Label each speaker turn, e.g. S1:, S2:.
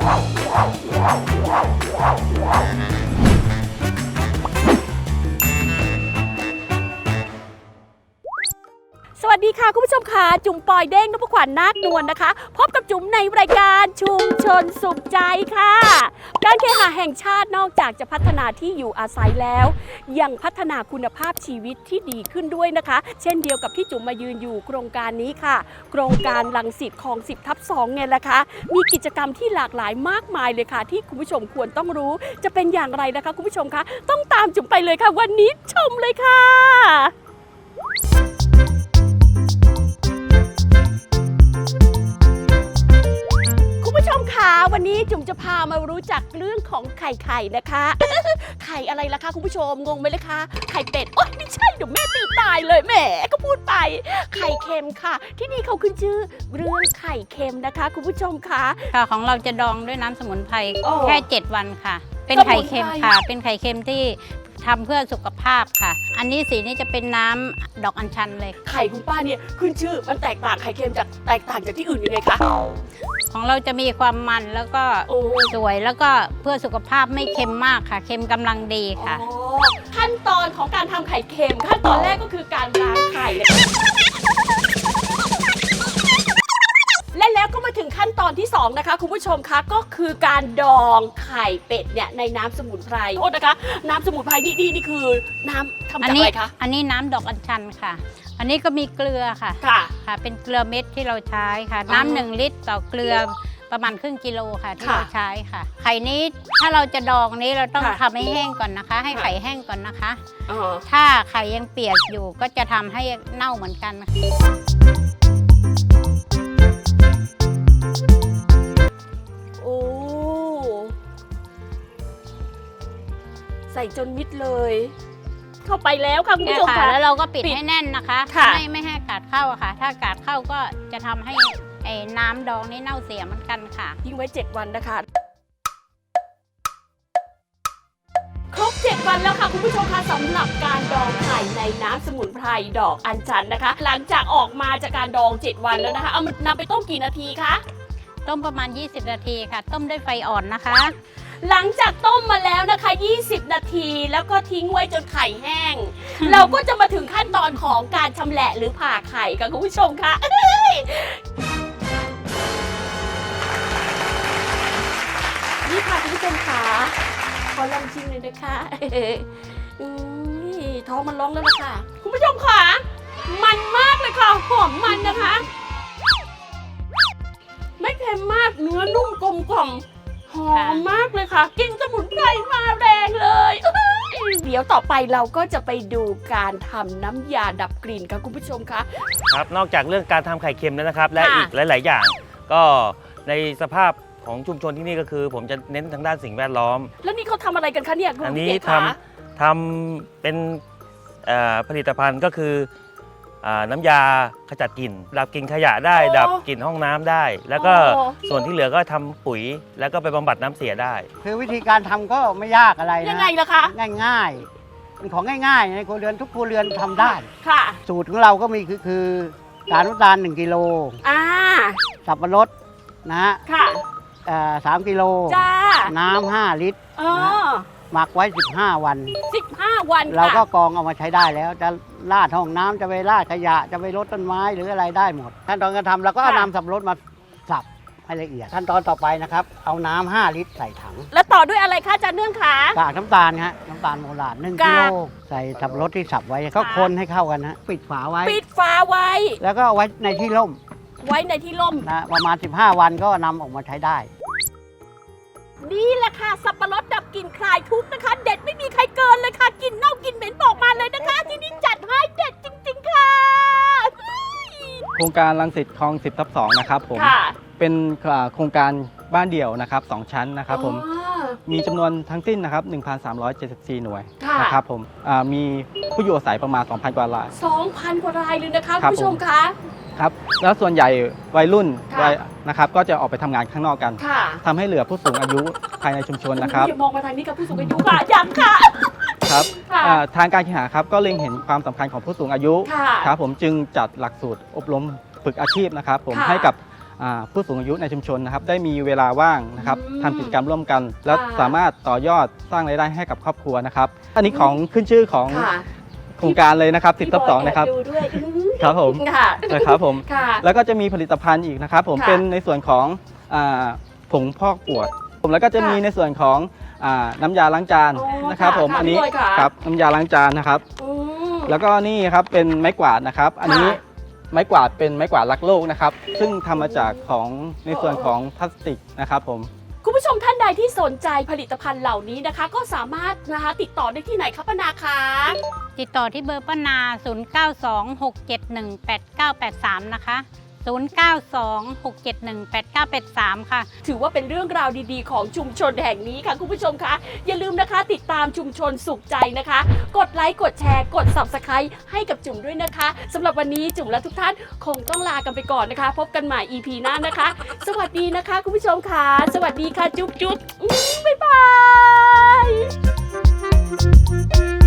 S1: สวัสดีค่ะคุณผู้ชมค่ะจุ๋มปอยเด้งนพขวัญนาคนวลนะคะพบกับจุ๋มในรายการชุมชนสุขใจค่ะการเคหะแห่งชาตินอกจากจะพัฒนาที่อยู่อาศัยแล้วยังพัฒนาคุณภาพชีวิตที่ดีขึ้นด้วยนะคะเช่นเดียวกับที่จุ๋มมายืนอยู่โครงการนี้ค่ะโครงการรังสิตคลอง 10/2ไงล่ะคะมีกิจกรรมที่หลากหลายมากมายเลยค่ะที่คุณผู้ชมควรต้องรู้จะเป็นอย่างไรนะคะคุณผู้ชมคะต้องตามจุ๋มไปเลยค่ะวันนี้ชมเลยค่ะวันนี้จุ๋มจะพามารู้จักเรื่องของไข่นะคะ ไข่อะไรล่ะคะคุณผู้ชมงงไหมเลยคะไข่เป็ดโอ๊ยไม่ใช่เดี๋ยวแม่ตีตายเลยแหมก็พูดไปไข่เค็มค่ะที่นี่เขาขึ้นชื่อเรื่องไข่เค็มนะคะคุณผู้ชมคะ
S2: ค่ะของเราจะดองด้วยน้ำสมุนไพรแค่7 วันค่ะเป็นไข่เค็มค่ะเป็นไข่เค็มที่ทำเพื่อสุขภาพค่ะอันนี้สีนี้จะเป็นน้ำดอกอัญชันเลย
S1: ไข่คุณป้าเนี่ยขึ้นชื่อมันแตกต่างไข่เค็มจากแตกต่างจากที่อื่นยังไงคะ
S2: ของเราจะมีความมันแล้วก็สวยแล้วก็เพื่อสุขภาพไม่เค็มมากค่ะเค็มกำลังดีค่ะ
S1: ขั้นตอนของการทำไข่เค็มขั้นตอนแรกก็คือการล้างไข่และแล้วก็มาถึงขั้นตอนที่2นะคะคุณผู้ชมคะก็คือการดองไข่เป็ดเนี่ยในน้ำสมุนไพรโทษนะคะน้ำสมุนไพรนี่คือน้ำทำจากอะไรคะ
S2: อันนี้น้ำดอกอัญชันค่ะอันนี้ก็มีเกลือค่ะค่ะเป็นเกลือเม็ดที่เราใช้ค่ะน้ำ1 ลิตรต่อเกลือประมาณครึ่งกิโลค่ะที่เราใช้ค่ะไข่นี้ถ้าเราจะดองนี้เราต้องทำให้แห้งก่อนนะคะให้ไข่แห้งก่อนนะคะถ้าไข่ยังเปียกอยู่ก็จะทำให้เน่าเหมือนกัน
S1: ใส่จนมิดเลยเข้าไปแล้วค่ะคุณผู้ชมค่ะ
S2: แล้วเราก็ปิดให้แน่นนะคะไม่ให้อากาศเข้าค่ะถ้าอากาศเข้าก็จะทำให้น้ำดองนี่เน่าเสียเหมือนกันค่ะ
S1: ทิ้งไว้7 วันนะคะครบ7 วันแล้วค่ะคุณผู้ชมคะสำหรับการดองไข่ในน้ำสมุนไพรดอกอัญชันนะคะหลังจากออกมาจากการดอง7 วันแล้วนะคะเอามันนำไปต้มกี่นาทีคะ
S2: ต้มประมาณ20 นาทีค่ะต้มด้วยไฟอ่อนนะคะ
S1: หลังจากต้มมาแล้วนะคะ20 นาทีแล้วก็ทิ้งไว้จนไข่แห้ง เราก็จะมาถึงขั้นตอนของการชำแหละหรือผ่าไข่ค่ะคุณผู้ชมคะนี่ค่ะคุณผู้ชมค่ะขอลองชิมเลยนะคะท้องมันร้องแล้วนะคะคุณผู้ชมค่ะมันมากเลยค่ะหอมมันนะคะไม่เค็มมากเนื้อนุ่มกลมกล่อมหอมมากเลยค่ะกลิ่นสมุนไพรมาแรงเลยเดี๋ยวต่อไปเราก็จะไปดูการทำน้ำยาดับกลิ่นค่ะคุณผู้ชมคะ
S3: ครับนอกจากเรื่องการทำไข่เค็มแล้วนะครับและอีกหลายๆอย่างก็ในสภาพของชุมชนที่นี่ก็คือผมจะเน้นทางด้านสิ่งแวดล้อม
S1: แล้วนี่เขาทำอะไรกันคะเนี่ย
S3: อันนี้ทำเป็นผลิตภัณฑ์ก็คือน้ำยาขจัดกลิ่นดับกลิ่นขยะได้ดับกลิ่นห้องน้ำได้แล้วก็ส่วนที่เหลือก็ทำปุ๋ยแล้วก็ไปบำบัดน้ำเสียได้
S4: คือวิธีการทำก็ไม่ยากอะไรนะ
S1: ยังไงล่ะคะ
S4: ง่ายๆเป็นของง่ายๆในครัวเรือนทุกครัวเรือนทำได้
S1: ค่ะ
S4: สูตรของเราก็มีคือการน้ำตาล1 กิโลสับปะรดนะฮะ
S1: ค่ะ
S4: 3 กิโลน้ำ5 ลิตรหมักไว้15 วัน
S1: 15 วัน
S4: เราก็กรองเอามาใช้ได้แล้วจะราดห้องน้ำจะไปราดขยะจะไปรดต้นไม้หรืออะไรได้หมดขั้นตอนการทำเราก็เอาน้ำสับปะรดมาสับให้ละเอียดขั้นตอนต่อไปนะครับเอาน้ำ5 ลิตรใส่ถัง
S1: แล้วต่อด้วยอะไรคะอาจารย์เนื่องคะ
S4: กากน้ำตาลฮะน้ำตาลโบราณ1 กิโลใส่สับปะรดที่สับไว้ก็คนให้เข้ากันฮะปิดฝาไว้
S1: แล้ว
S4: ก็ไว้ในที่ร่มนะประมาณ15 วันก็นำออกมาใช้ได้
S1: นี่แหละค่ะสับปะรดดับกลิ่นคลายทุกข์นะคะเด็ดไม่มีใครเกินเลยค่ะกลิ่นเน่ากลิ่นเหม็นบอกมาเลยนะคะที่นี่จัดให้เด็ดจริงๆค่ะ
S5: โครงการรังสิตคลอง 10/2นะครับผมเป็นโครงการบ้านเดี่ยวนะครับ2 ชั้นนะครับผมมีจำนวนทั้งสิ้นนะครับ 1,374 หน่วยนะครับผมมีผู้อยู่อาศัยประมาณ 2,000 กว่าราย
S1: 2,000 กว่ารายเลยนะคะคุณผู้ชมคะ
S5: ครับแล้วส่วนใหญ่วัยรุ่นนะครับก็จะออกไปทำงานข้างนอกกันทำให้เหลือผู้สูงอายุภายในชุมชนนะครับ
S1: มองมาทางนี้กับผู้สูงอายุค่ะยังค่ะ
S5: ครับทางการเคหะครับก็เล็งเห็นความสำคัญของผู้สูงอายุครับผมจึงจัดหลักสูตรอบรมฝึกอาชีพนะครับผมให้กับผู้สูงอายุในชุมชนนะครับได้มีเวลาว่างนะครับทำกิจกรรมร่วมกัน และสามารถต่อยอดสร้างรายได้ให้กับครอบครัวนะครับอันนี้ของขึ้นชื่อของ
S1: ค่ะ
S5: โครงการเลยนะครับ10/2นะครับ
S1: ดูด้วย
S5: ครับผม
S1: ค่ะ
S5: นะครับผม
S1: ค่ะ
S5: แล้วก็จะมีผลิตภัณฑ์อีกนะครับผม
S1: ค่ะ
S5: เป็นในส่วนของผงพอกปวดผมแล้วก็จะมีในส่วนของน้ำยาล้างจาน
S1: โอ้
S5: นะครับผม
S1: ค่ะ
S5: อันนี้
S1: พี่บอยค่ะ
S5: ครับน้ำยาล้างจานนะครับ
S1: อืม
S5: แล้วก็นี่ครับเป็นไม้กวาดนะครับ อันนี้
S1: ค่ะ
S5: ไม้กวาดเป็นไม้กวาดรักโลกนะครับ ซึ่งทำมาจากของในส่วนของพลาสติกนะครับผม
S1: คุณผู้ชมท่านใดที่สนใจผลิตภัณฑ์เหล่านี้นะคะ ก็สามารถนะคะติดต่อได้ที่ไหนคะป้านาคะ
S2: ติดต่อที่เบอร์ป้านา 0926718983 นะคะ 0926718983 ค่ะ
S1: ถือว่าเป็นเรื่องราวดีๆ ของชุมชนแห่งนี้ค่ะคุณผู้ชมคะอย่าลืมนะคะติดตามชุมชนสุขใจนะคะ กดไลค์กดแชร์กด Subscribe ให้กับจุ๋มด้วยนะคะสำหรับวันนี้จุ๋มและทุกท่านคงต้องลากันไปก่อนนะคะ พบกันใหม่ EP หน้านะคะ สวัสดีนะคะคุณผู้ชมค่ะสวัสดีค่ะจุ๊บจุ๊บบ๊ายบาย